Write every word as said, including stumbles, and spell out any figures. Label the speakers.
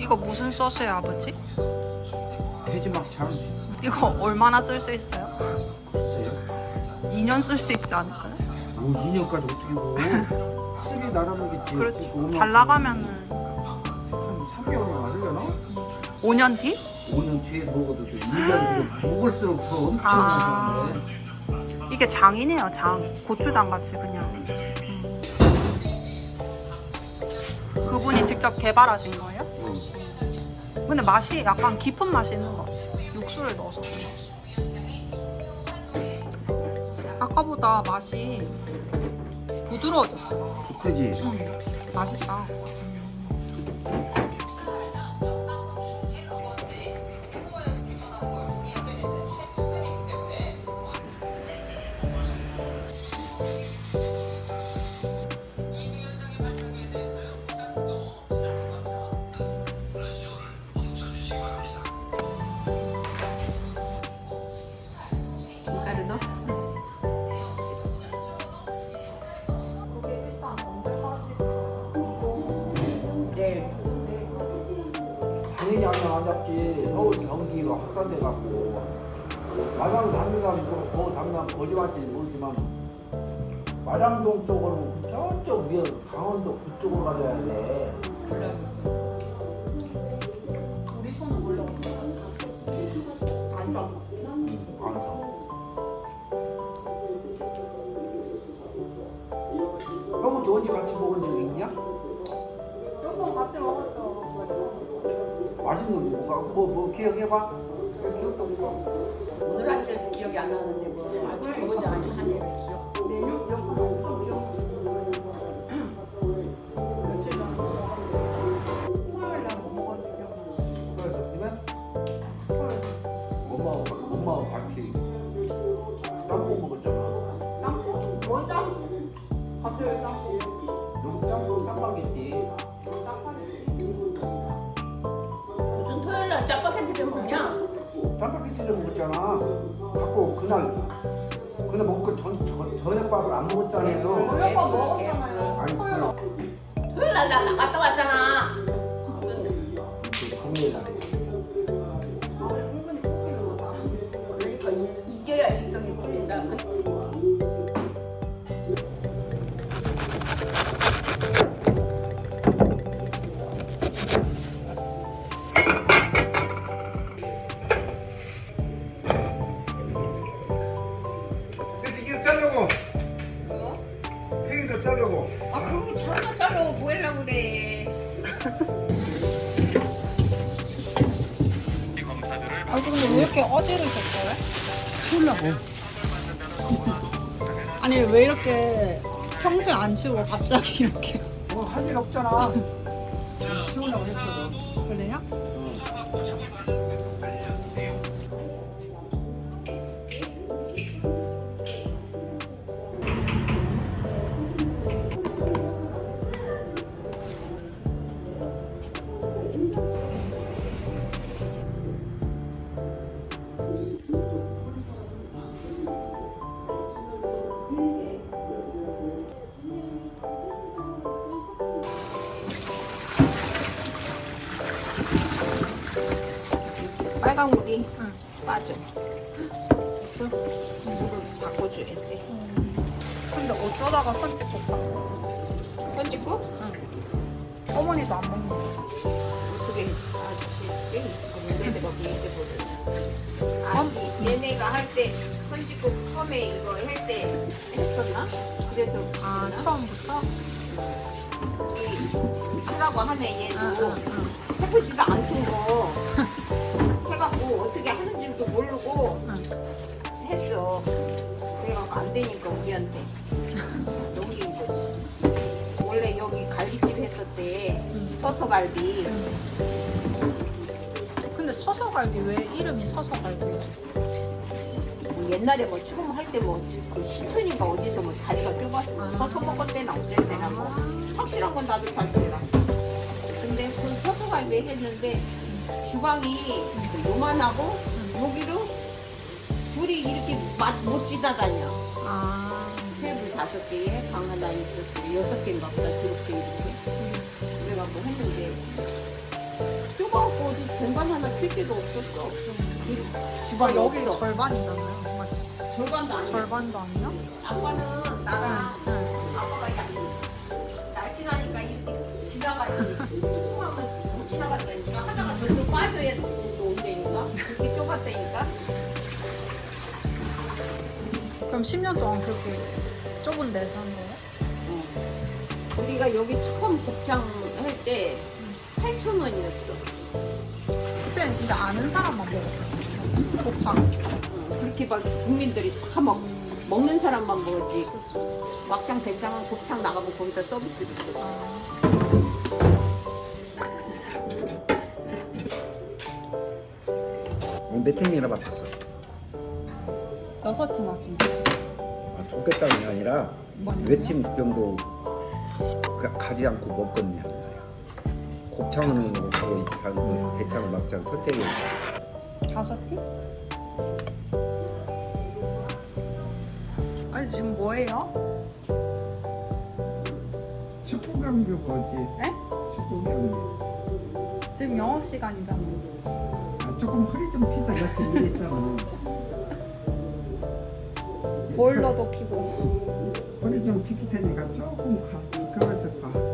Speaker 1: 이거 무슨 소스예요, 아버지?
Speaker 2: 돼지막창.
Speaker 1: 이거 얼마나 쓸 수 있어요?
Speaker 2: 글쎄요.
Speaker 1: 이 년 쓸 수 있지 않을까요?
Speaker 2: 뭐 이 년까지 어떻게 고 쓰리 나가는겠지.
Speaker 1: 그렇지. 잘 나가면은
Speaker 2: 삼 개월은 하려나?
Speaker 1: 오 년 뒤?
Speaker 2: 오 년 뒤에 먹어도 돼. 일 년 뒤에 먹을수록 더 엄청
Speaker 1: 아.
Speaker 2: 맛있는데.
Speaker 1: 이게 장이네요, 장. 고추장 같이 그냥. 음. 그분이 직접 개발하신 거예요?
Speaker 2: 응.
Speaker 1: 근데 맛이 약간 깊은 맛이 있는 것 같아요. 육수를 넣어서 그런가. 아까보다 맛이 부드러워졌어.
Speaker 2: 그지?
Speaker 1: 음, 맛있다.
Speaker 3: 김가루 넣어? 네.
Speaker 2: 당연히 하면 안 잡지. 서울 경기가 확산돼갖고 마장 당분간 더 당분간 거짓말인지 모르지만 마장동 쪽으로 저쪽 위에 강원도 그쪽으로 가져야 돼.
Speaker 3: 우리 손은 원래 안 봐.
Speaker 2: 알았어. 형은 저 언제 같이 먹은 적 있냐?
Speaker 3: 몇번 같이 먹었죠.
Speaker 2: 맛있는 거 뭐가 뭐, 뭐 기억해봐? 기억도 없어.
Speaker 4: 오늘 한 일도 기억이 안 나는데 뭐 아주 좋은 일 아니고 한 일을 기억.
Speaker 3: 메뉴 기억도 없어. 기억. 며칠 전에 토요일 날 먹었지 기억.
Speaker 2: 그래서
Speaker 3: 토요일.
Speaker 2: 엄마하고 엄마하고 같이 짬뽕 먹었잖아.
Speaker 3: 짬뽕? 뭘 짬뽕? 갑자기 짬뽕.
Speaker 2: 여기 짬뽕 짬뽕겠지.
Speaker 4: 무슨 토요일 날 짜파게티를 먹냐?
Speaker 2: 짬뽕기치를 먹었잖아. 자꾸 그날 그날 먹고 전, 전 저녁밥을 안 먹었잖아요.
Speaker 3: 저녁밥 먹었잖아요.
Speaker 2: 아니
Speaker 3: 토요일.
Speaker 2: 그,
Speaker 4: 토요일 날 나 나갔다 왔잖아. 무슨
Speaker 2: 그 금요일 날에.
Speaker 3: 아, 은근히 꼽히는 거다.
Speaker 4: 그러니까 이- 이겨야 식성이 풀린다. 그-
Speaker 2: 근데 이게 자르고
Speaker 4: 뭐?
Speaker 2: 팽이도 자르고.
Speaker 4: 아 그거 잘라 잘라 뭐 하려고 그래.
Speaker 1: 아, 근데 왜 이렇게 어지르셨어요?
Speaker 2: 치우려고.
Speaker 1: 아니, 왜 이렇게 평소에 안 치우고 갑자기 이렇게.
Speaker 2: 뭐할 일 없잖아. 치우려고 했거든.
Speaker 1: 그래요?
Speaker 4: 빨간 물이
Speaker 1: 응.
Speaker 4: 빠져. 그래서 물을 바꿔줘야 돼.
Speaker 1: 근데 어쩌다가 선짓국 봤었어.
Speaker 4: 선짓국?
Speaker 1: 어머니도 안 먹는 거.
Speaker 4: 그게 아저씨 꽤 내가 보이지 아, 얘네가 할 때 선짓국 처음에 이거 할 때 했었나? 그래서
Speaker 1: 아, 처음부터?
Speaker 4: 이 하라고 하면 얘도
Speaker 1: 응, 응, 응.
Speaker 4: 해보지도 않던 거 해갖고 어떻게 하는지도 모르고
Speaker 1: 응.
Speaker 4: 했어. 그래갖고 안 되니까 우리한테 넘긴 거지. 원래 여기 갈비집 했었대. 서서갈비.
Speaker 1: 근데 서서갈비 왜 이름이 서서갈비예요?
Speaker 4: 뭐 옛날에 뭐 처음 할 때 뭐 그 시촌인가 어디서 뭐 자리가 좁아서 뭐
Speaker 1: 아.
Speaker 4: 서서 먹었대나 어쨌대나 뭐 확실한 건 나도 잘 몰라. 근데 그 서서갈비 했는데 주방이 그 요만하고 여기로 불이 이렇게 맛 못 지다다녀.
Speaker 1: 아,
Speaker 4: 테이블 다섯 개에 방 하나 있었고 여섯 개인가 보다 그렇게 이렇게 그래갖고 했는데 좁아갖고 어디 쟁반 하나 필 데도 없었어. 그
Speaker 1: 아,
Speaker 4: 주방이
Speaker 1: 여기
Speaker 4: 없어.
Speaker 1: 절반이잖아요. 정말
Speaker 4: 절반도 아니야.
Speaker 1: 절반도 아니야?
Speaker 4: 아빠는 나랑
Speaker 1: 응.
Speaker 4: 아빠가 야, 날씬하니까 이렇게 지나가지. 조금하면 못 지나간다니까. 하다가 절로 빠져야 또 온다니까. 그렇게 좁았다니까.
Speaker 1: 그럼 십 년 동안 그렇게 좁은 데서 한 거예요?
Speaker 4: 어. 우리가 여기 처음 곱창 할 때 팔천 원이었어.
Speaker 1: 그때는 진짜 아는 사람만 먹었잖아요. 곱창.
Speaker 4: 어, 그렇게 막 국민들이 다 먹, 먹는 사람만 먹었지. 막장 대장은 곱창 나가면 거기다 서비스 줬어.
Speaker 1: 아,
Speaker 2: 몇 팀이나 맡았어?
Speaker 1: 여섯 팀 왔습니다.
Speaker 2: 아, 좋겠다는 게 아니라
Speaker 1: 뭐냐?
Speaker 2: 몇 팀 정도 가- 가지 않고 먹겠냐 말이야. 곱창은 먹고 다 그 대창 막창 선택해.
Speaker 1: 다섯 팀? 아니 지금 뭐예요?
Speaker 2: 축구 경기 뭐지?
Speaker 1: 에?
Speaker 2: 축구 경기.
Speaker 1: 지금 영업 시간이잖아요.
Speaker 2: 아, 조금 허리 좀 피자 이렇게 이랬잖아.
Speaker 1: 보일러도 켜고.
Speaker 2: 허리 좀 피기 테니까 조금 가. 그래서 봐.